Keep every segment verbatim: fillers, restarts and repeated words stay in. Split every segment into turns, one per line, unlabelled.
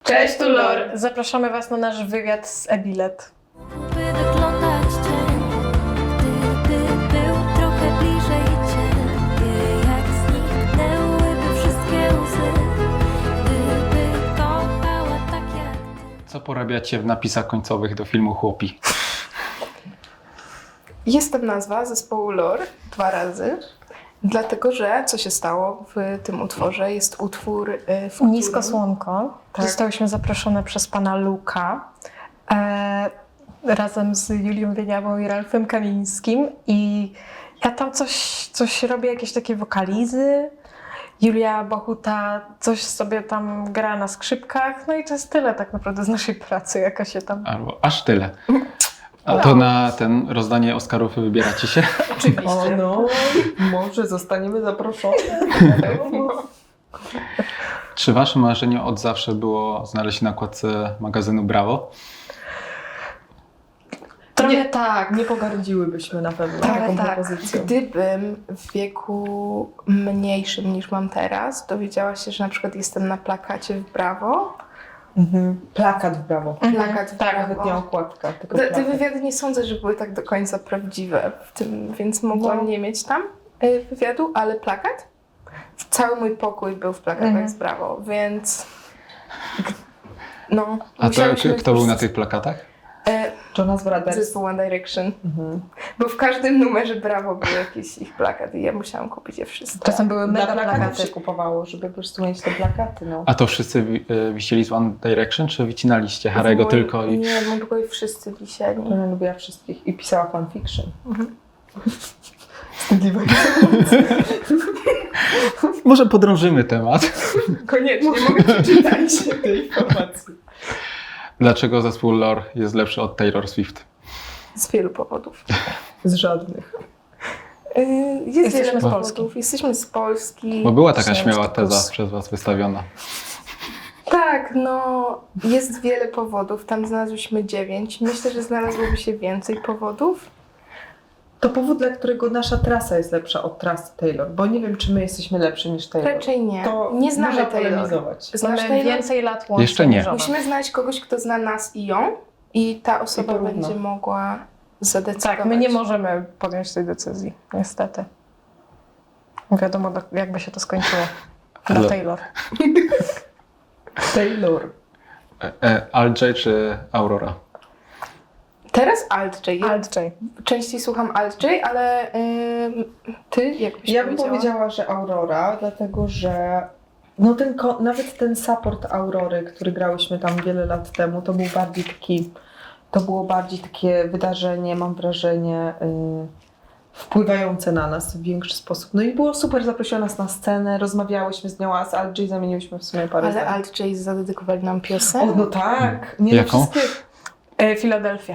Cześć, tu Lor.
Zapraszamy Was na nasz wywiad z e-bilet.
By wyglądać dzień, gdyby był trochę bliżej Ciebie, jak zniknęłyby wszystkie łzy, gdyby kochała tak jak Ty.
Co porabiacie w napisach końcowych do filmu Chłopi?
Jest tam nazwa zespołu Lor dwa razy, dlatego że co się stało w tym utworze? Jest utwór, y, w którym...
Nisko słonko.
Tak.
Zostałyśmy zaproszone przez pana Luka e, razem z Julią Wieniawą i Ralfem Kamińskim i ja tam coś, coś robię, jakieś takie wokalizy. Julia Bochuta coś sobie tam gra na skrzypkach, no i to jest tyle tak naprawdę z naszej pracy, jaka się tam...
Albo aż tyle. A to na ten rozdanie Oscarów wybieracie się?
Oczywiście.
O no, może zostaniemy zaproszone.
Czy waszym marzeniem od zawsze było znaleźć się na okładce magazynu Bravo?
Trochę
Nie,
tak.
Nie pogardziłybyśmy na pewno
Trochę
taką
tak.
propozycją.
Gdybym w wieku mniejszym niż mam teraz dowiedziała się, że na przykład jestem na plakacie w Brawo.
Mhm. Plakat w Brawo.
Plakat w
tak,
Brawo.
Nawet nie okładka, tylko
Te, te
plakat.
wywiady nie sądzę, że były tak do końca prawdziwe w tym, więc mogłam
No.
nie mieć tam y, wywiadu, ale plakat? Cały mój pokój był w plakatach
Mhm.
z Brawo, więc no.
A to,
musiałyśmy
kto był na
pójść-
tych plakatach?
E,
Jonas Brothers.
Zespół One Direction.
Mhm.
Bo w każdym numerze Brawo był jakiś ich plakat i ja musiałam kupić je wszystkie.
Czasem były
Dla
mega
plakatów
plakaty.
się kupowało, żeby po prostu mieć te plakaty. No.
A to wszyscy wi- y, wisieli z One Direction, czy wycinaliście Harry'ego
W moim-
tylko i...
Nie, w moim pokoju wszyscy wisieli.
Ona lubiła wszystkich i pisała fanfiction.
Mhm.
Wstydliwa.
Może podrążymy temat.
Koniecznie, mogę przeczytać.
tej informacji.
Dlaczego zespół Lor jest lepszy od Taylor Swift?
Z wielu powodów.
Z żadnych.
Yy, Jest
Jesteśmy
wiele
z
powodów.
Polski.
Jesteśmy z Polski.
Bo była taka
Przynajmniej
śmiała
sto plus.
teza przez was wystawiona.
Tak, no jest wiele powodów. Tam znalazłyśmy dziewięć. Myślę, że znalazłoby się więcej powodów.
To powód, dla którego nasza trasa jest lepsza od trasy Taylor, bo nie wiem, czy my jesteśmy lepsi niż Taylor.
Raczej nie.
To
nie znamy
można
Taylor.
polemizować.
Znasz
Mamy
Taylor?
więcej lat łącznie.
Jeszcze nie.
niż ona.
Musimy znaleźć kogoś, kto zna nas i ją i ta osoba
I porówno.
będzie mogła zadecydować.
Tak, my nie możemy podjąć tej decyzji, niestety. Wiadomo, do- jakby się to skończyło. Dla
Ale-
Taylor.
Taylor.
E, e, Alt-J czy Aurora?
Teraz Alt-J. Ja
Alt-J.
częściej słucham Alt-J, ale ym, ty jak byś
Ja bym
powiedziała?
powiedziała, że Aurora, dlatego że no ten, ko- nawet ten support Aurory, który grałyśmy tam wiele lat temu, to był bardziej taki, to było bardziej takie wydarzenie, mam wrażenie, yy, wpływające na nas w większy sposób. No i było super, zaprosiła nas na scenę, rozmawiałyśmy z nią, a z Alt-J zamieniłyśmy w sumie parę
Ale
zdań.
Alt-J zadedykowali nam
O,
piosenkę.
no tak. Nie, no
Jaką?
wszystkie-
E, Filadelfia.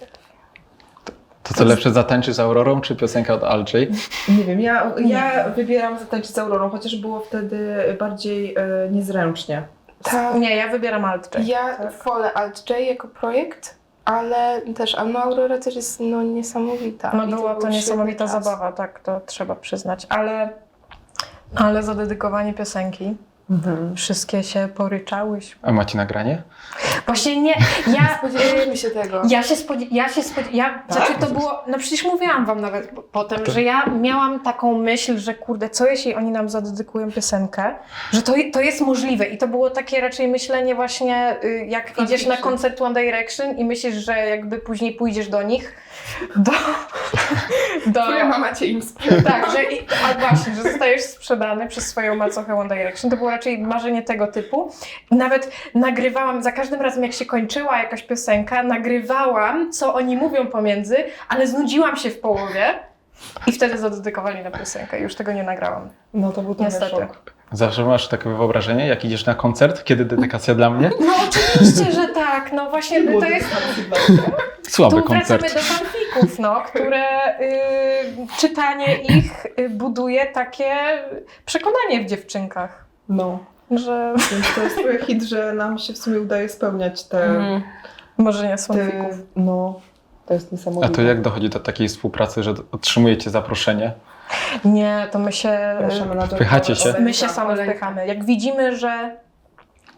To co lepsze, zatańczyć z Aurorą, czy piosenka od Alt-J?
Nie wiem, ja, ja wybieram zatańczyć z Aurorą, chociaż było wtedy bardziej e, niezręcznie.
Tak.
Nie, ja wybieram Alt-J.
Ja
Tak.
wolę Alt-J jako projekt, ale też no Aurora też jest no, niesamowita.
No
I
była to
był
niesamowita
świetny czas.
zabawa, tak, to trzeba przyznać. Ale, ale za dedykowanie piosenki
Mhm.
wszystkie się poryczałyśmy.
A macie nagranie?
Właśnie nie, ja...
Spodziewaliśmy się tego.
Ja się spodziewałam, ja się spodziew... ja, znaczy to było, no przecież mówiłam wam nawet po- potem, że ja miałam taką myśl, że kurde, co jeśli oni nam zadedykują piosenkę, że to, to jest możliwe i to było takie raczej myślenie właśnie, y, jak idziesz na koncert One Direction i myślisz, że jakby później pójdziesz do nich, do... do
Twoja mama cię im sprzeda.
tak, że i, a właśnie, że zostajesz sprzedany przez swoją macochę One Direction. To było raczej marzenie tego typu. Nawet nagrywałam, za każdym razem jak się kończyła jakaś piosenka, nagrywałam, co oni mówią pomiędzy, ale znudziłam się w połowie i wtedy zadedykowali na piosenkę. Już tego nie nagrałam.
No to był trochę
Niestety.
szok.
Zawsze masz takie wyobrażenie, jak idziesz na koncert, kiedy dedykacja dla mnie?
No oczywiście, że tak. No właśnie to jest...
Słaby
Tu wracamy
koncert.
do fanfików, no, które y, czytanie ich y, buduje takie przekonanie w dziewczynkach,
No,
że
więc to jest trochę hit, że nam się w sumie udaje spełniać te...
Mhm. marzenia z
te
fanfików.
no, to jest
A
niesamowite.
to jak dochodzi do takiej współpracy, że otrzymujecie zaproszenie?
Nie, to my się,
Zapraszamy na to-
Wpychacie się?
my się same wpychamy. Jak widzimy, że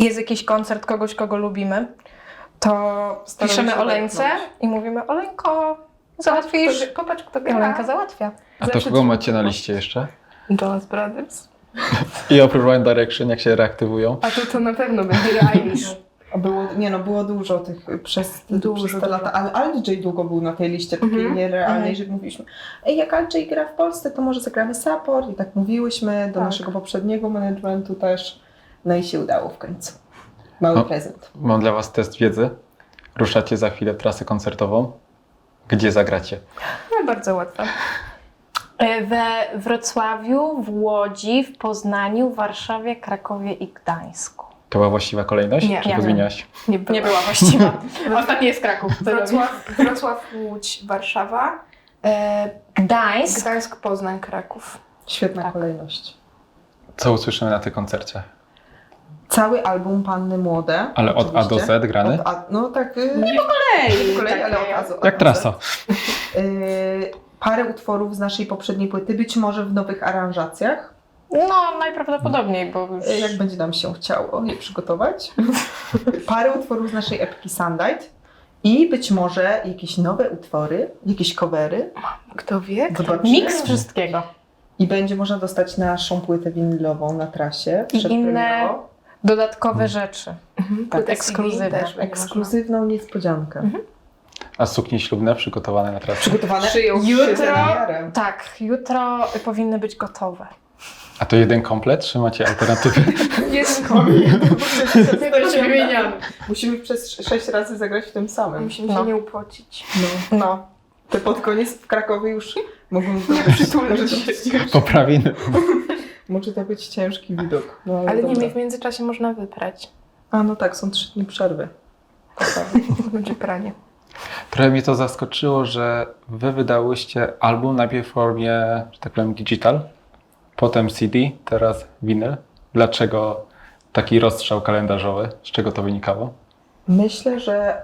jest jakiś koncert kogoś, kogo lubimy, to
Staramy
piszemy
się
Oleńce
wepchnąć.
i mówimy: Oleńko, załatwisz.
Popatrz, kto
I
gra.
Olenka załatwia.
A to
Zawsze
kogo
ci-
macie na liście jeszcze?
Jonas Brothers.
I oprócz One Direction, jak się reaktywują?
A to to na pewno będzie Irish.
A Było, nie no, było dużo tych przez,
Dużo,
przez te
dużo.
lata, ale Aldrzej długo był na tej liście takiej
Mhm.
nierealnej,
Mhm.
że mówiliśmy, ej, jak Aldrzej gra w Polsce, to może zagramy support i tak mówiłyśmy do
Tak.
naszego poprzedniego managementu też, no i się udało w końcu. Mały
No.
prezent.
Mam dla was test wiedzy. Ruszacie za chwilę trasę koncertową. Gdzie zagracie?
No bardzo łatwe.
E, We Wrocławiu, w Łodzi, w Poznaniu, w Warszawie, Krakowie i Gdańsku.
To była właściwa kolejność?
Nie.
Czy
Nie.
podmieniałaś?
Nie, było.
Nie była właściwa. Ostatni jest Kraków.
Wrocław, Wrocław, Łódź, Warszawa, e,
Gdańsk.
Gdańsk, Poznań, Kraków.
Świetna
Tak.
kolejność.
Co usłyszymy na tym koncercie?
Cały album Panny Młode.
Ale od A do
oczywiście.
Z grany?
Od A, no tak, y,
Nie po kolei.
po kolei,
takie.
ale od A, do- od
Jak
A do
trasa.
Z. Y, Parę utworów z naszej poprzedniej płyty, być może w nowych aranżacjach,
No, najprawdopodobniej, bo już...
y, jak będzie nam się chciało je przygotować. Parę utworów z naszej epki Sunlight i być może jakieś nowe utwory, jakieś covery.
Kto wie? Kto
Zobaczymy.
Miks wszystkiego.
I będzie można dostać naszą płytę winylową na trasie.
I
przedpremierowo.
inne dodatkowe rzeczy.
Mhm.
Tak,
Płytę
ekskluzywne.
C D też będzie
Ekskluzywną niespodziankę.
Mhm.
A suknie ślubne przygotowane na trasę?
Przygotowane
Szyją.
Jutro,
na miarę.
tak, jutro powinny być gotowe.
A to jeden komplet, czy macie alternatywy?
można. Jest koniec.
wymieniamy.
Musimy przez sześć razy zagrać w tym samym.
Musimy
No.
się nie upocić.
No.
No.
Te pod koniec w Krakowie już mogą
Nie przytulać
może, to
się.
być ciężki,
Poprawiny.
może to być ciężki widok. No, ale
Ale nie,
dobra.
w międzyczasie można wyprać.
A no tak, są trzy dni przerwy.
Będzie pranie.
Trochę mnie to zaskoczyło, że wy wydałyście album najpierw w formie, że tak powiem, digital, potem C D, teraz winyl. Dlaczego taki rozstrzał kalendarzowy? Z czego to wynikało?
Myślę, że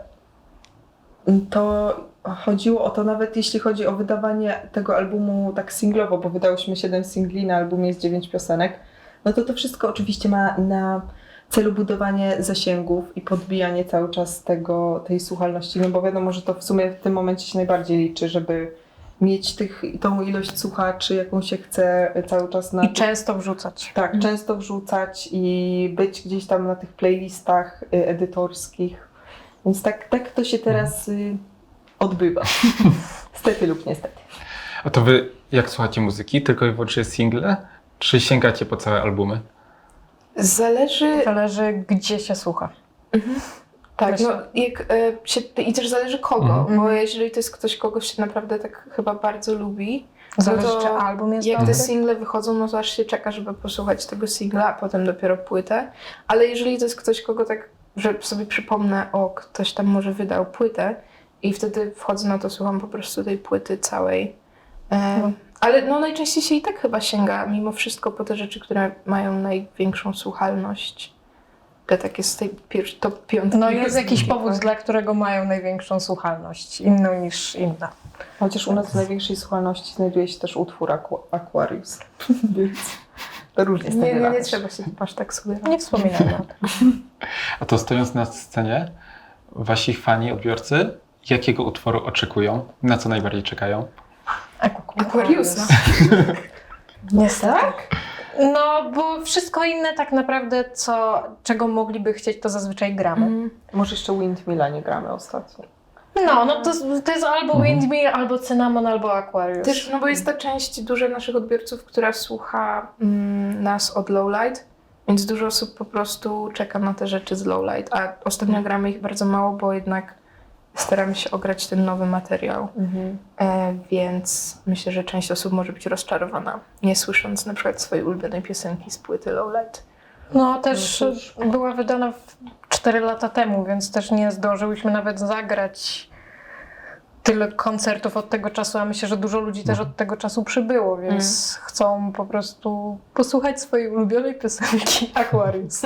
to chodziło o to, nawet jeśli chodzi o wydawanie tego albumu tak singlowo, bo wydałyśmy siedem singli, na albumie jest dziewięć piosenek, no to to wszystko oczywiście ma na celu budowanie zasięgów i podbijanie cały czas tego, tej słuchalności, no bo wiadomo, że to w sumie w tym momencie się najbardziej liczy, żeby mieć tych, tą ilość słuchaczy, jaką się chce cały czas na...
I często wrzucać.
Tak, często wrzucać i być gdzieś tam na tych playlistach y, edytorskich. Więc tak, tak to się teraz y, odbywa. Stety lub niestety.
A to wy jak słuchacie muzyki? Tylko i wyłącznie single? Czy sięgacie po całe albumy?
Zależy.
Zależy, gdzie się słucha.
Tak,
Myślę.
no jak e, się, i też zależy kogo,
Mhm.
bo jeżeli to jest ktoś, kogo się naprawdę tak chyba bardzo lubi,
Zależy,
No to
czy album jest
jak
dobry.
te single wychodzą, no to aż się czeka, żeby posłuchać tego singla, a potem dopiero płytę. Ale jeżeli to jest ktoś, kogo tak, że sobie przypomnę, o, ktoś tam może wydał płytę i wtedy wchodzę, no to słucham po prostu tej płyty całej. E,
No.
Ale no najczęściej się i tak chyba sięga mimo wszystko po te rzeczy, które mają największą słuchalność. Te takie z tej pierwszej, top piątki.
No jest jakiś
Takie.
powód, dla którego mają największą słuchalność, inną niż inna.
Chociaż u nas w największej słuchalności znajduje się też utwór Aqu- Aquarius. Więc to różnie z tym
Nie, nie, nie
wyrażać.
trzeba się aż tak sugerować.
Nie wspominajmy o tym.
A to stojąc na scenie, wasi fani, odbiorcy, jakiego utworu oczekują? Na co najbardziej czekają?
Aquariusa.
Niestety. No, bo wszystko inne tak naprawdę, co, czego mogliby chcieć, to zazwyczaj gramy.
Mhm.
Może jeszcze Windmilla nie gramy ostatnio.
No, no to, to jest albo
Mhm.
Windmill, albo Cinnamon, albo Aquarius.
Też, no bo jest ta część duża naszych odbiorców, która słucha mm, nas od Lowlight, więc dużo osób po prostu czeka na te rzeczy z Lowlight, a ostatnio gramy ich bardzo mało, bo jednak staramy się ograć ten nowy materiał, e, więc myślę, że część osób może być rozczarowana, nie słysząc na przykład swojej ulubionej piosenki z płyty Lowlight.
No też
No cóż.
była wydana cztery lata temu, więc też nie zdążyłyśmy nawet zagrać tyle koncertów od tego czasu, a myślę, że dużo ludzi też od tego czasu przybyło, więc chcą po prostu posłuchać swojej ulubionej piosenki Aquarius.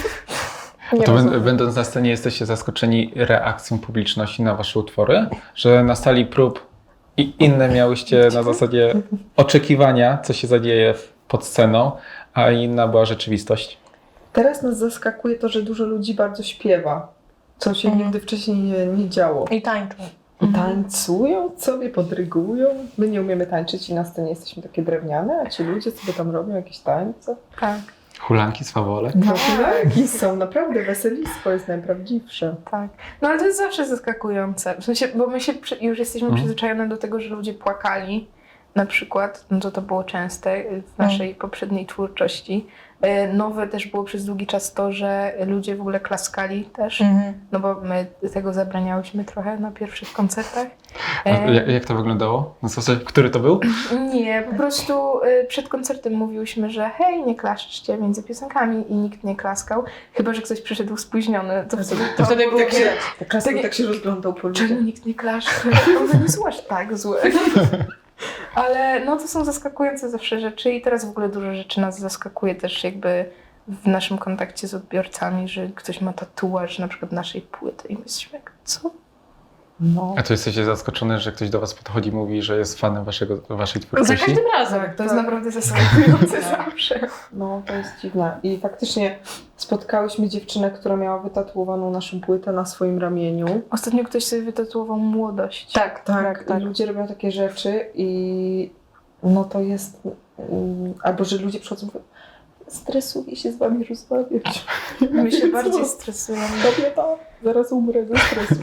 Nie
To
rozumiem.
bę- będąc na scenie jesteście zaskoczeni reakcją publiczności na wasze utwory? Że na sali prób i inne miałyście na zasadzie oczekiwania, co się zadzieje pod sceną, a inna była rzeczywistość?
Teraz nas zaskakuje to, że dużo ludzi bardzo śpiewa, co się
Mhm.
nigdy wcześniej nie, nie działo.
I tańczą.
I tańcują sobie, podrygują. My nie umiemy tańczyć i na scenie jesteśmy takie drewniane, a ci ludzie sobie tam robią jakieś tańce.
Tak,
Hulanki, swawole.
No tak, i są naprawdę weselistwo, jest najprawdziwsze.
tak. No ale to jest zawsze zaskakujące. W sensie, bo my się przy, już jesteśmy
Mhm.
przyzwyczajone do tego, że ludzie płakali. Na przykład, no to to było częste w naszej poprzedniej twórczości. E, Nowe też było przez długi czas to, że ludzie w ogóle klaskali też.
Mhm.
No bo my tego zabraniałyśmy trochę na pierwszych koncertach.
A
E,
jak, jak to wyglądało? Na zasadzie, który to był?
Nie, po prostu y, przed koncertem mówiłyśmy, że hej, nie klaszczcie między piosenkami i nikt nie klaskał, chyba że ktoś przyszedł spóźniony, to wtedy to,
wtedy było
tak, się,
widać.
tak, klasy,
Takie-
tak się rozglądał po
Czemu
ludziach.
nikt nie klaszcze? One nie są aż tak złe. Ale no to są zaskakujące zawsze rzeczy i teraz w ogóle dużo rzeczy nas zaskakuje też jakby w naszym kontakcie z odbiorcami, że ktoś ma tatuaż na przykład naszej płyty i my jesteśmy jak, co?
No.
A to jesteście zaskoczone, że ktoś do was podchodzi i mówi, że jest fanem waszego, waszej
Za
twórczości?
każdym razem.
Tak, to jest naprawdę zaskakujące zawsze.
No, to jest dziwne. I faktycznie spotkałyśmy dziewczynę, która miała wytatuowaną naszą płytę na swoim ramieniu.
Ostatnio ktoś sobie wytatuował młodość.
Tak,
Tak,
tak, tak.
i ludzie robią takie rzeczy i no to jest... mm, albo, że ludzie przychodzą i mówią, stresuję się z wami rozmawiać.
My się
Co?
bardziej stresujemy.
Kobieta, zaraz umrę ze stresu.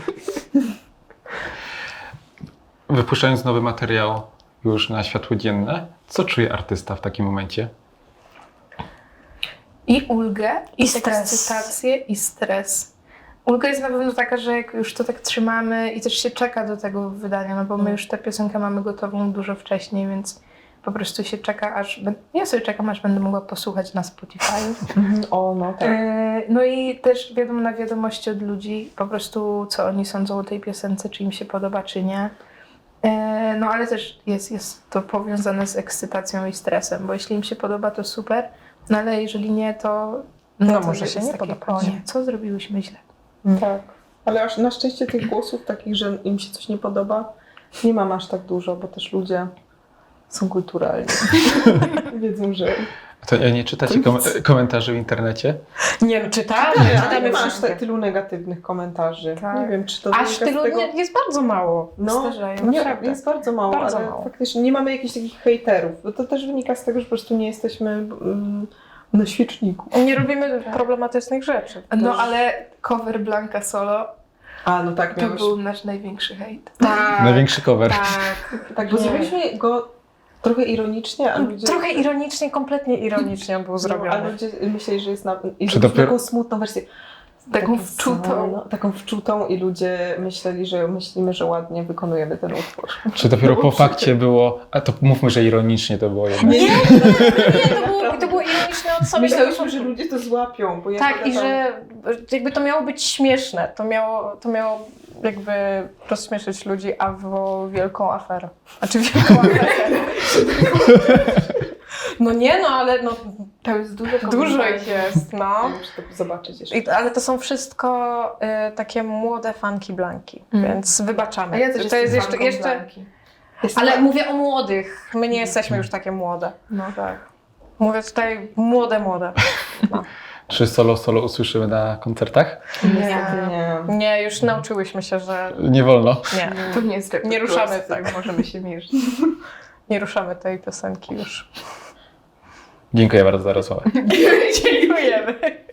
Wypuszczając nowy materiał już na światło dzienne, co czuje artysta w takim momencie?
I ulgę,
I
i
stres.
ekscytację, i stres. Ulga jest na pewno taka, że jak już to tak trzymamy i też się czeka do tego wydania, no bo my już tę piosenkę mamy gotową dużo wcześniej, więc po prostu się czeka, aż... bę- Ja sobie czekam, aż będę mogła posłuchać na Spotify.
O, no tak.
E, No i też wiadomo na wiadomości od ludzi, po prostu co oni sądzą o tej piosence, czy im się podoba, czy nie. E, No ale też jest, jest to powiązane z ekscytacją i stresem, bo jeśli im się podoba, to super, no ale jeżeli nie, to...
No
to
może
jest
się nie
takie,
podobać.
O nie, co zrobiłyśmy źle?
Tak. Ale aż na szczęście tych głosów takich, że im się coś nie podoba, nie mam aż tak dużo, bo też ludzie są kulturalni. Wiedzą, że...
To nie czytacie kom komentarzy w internecie?
Nie no, czytamy,
Ale
czytamy
nie masz
wszystkie.
te, tylu negatywnych komentarzy.
Tak.
Nie wiem, czy to
Aż
wynika z
tylu
tego...
nie, jest bardzo mało.
No,
Zdarzają,
nie,
naprawdę.
jest bardzo mało,
Bardzo
ale
mało.
faktycznie nie mamy jakichś takich hejterów, bo to też wynika z tego, że po prostu nie jesteśmy mm, na świeczniku.
Nie robimy problematycznych rzeczy.
No
Też-
ale cover Blanka Solo
A, no tak,
to
miałeś...
był nasz największy hejt.
Tak,
Największy cover.
tak.
Tak, bo
Nie.
zrobiliśmy go trochę ironicznie, a ludzie...
Trochę ironicznie, kompletnie ironicznie on był
No, a
zrobiony.
ludzie myśleli, że jest na... I
Czy
że
dopiero-
taką smutną wersję.
Taką
Takie
wczutą.
No, taką wczutą i ludzie myśleli, że myślimy, że ładnie wykonujemy ten utwór.
Czy dopiero
No,
po
przecież.
fakcie było, a to mówmy, że ironicznie to było jednak.
Nie, nie, to było, to było ironiczne od samego
Myślałyśmy,
początku.
że ludzie to złapią, bo ja
Tak, i
tam-
że jakby to miało być śmieszne. To miało, to miało jakby rozśmieszyć ludzi, a było wielką aferę. Znaczy wielką aferę. No nie no, ale no,
To jest dużo
dużo
komentarzy.
ich jest, no.
Muszę to zobaczyć jeszcze.
I, ale to są wszystko y, takie młode fanki Blanki,
Mm.
więc wybaczamy.
A ja też
to jest jeszcze,
fanką
jeszcze
Blanki.
ale mówię o młodych. My nie jesteśmy już takie młode.
No tak.
Mówię tutaj młode, młode. No.
Czy solo solo usłyszymy na koncertach?
Niestety nie.
Nie, już nauczyłyśmy się, że
Nie wolno.
nie.
To nie jest
Nie ruszamy,
repertuar, z którym
tak.
możemy się mierzyć.
Nie ruszamy tej piosenki już.
Dziękuję bardzo za rozmowę.
Dziękujemy.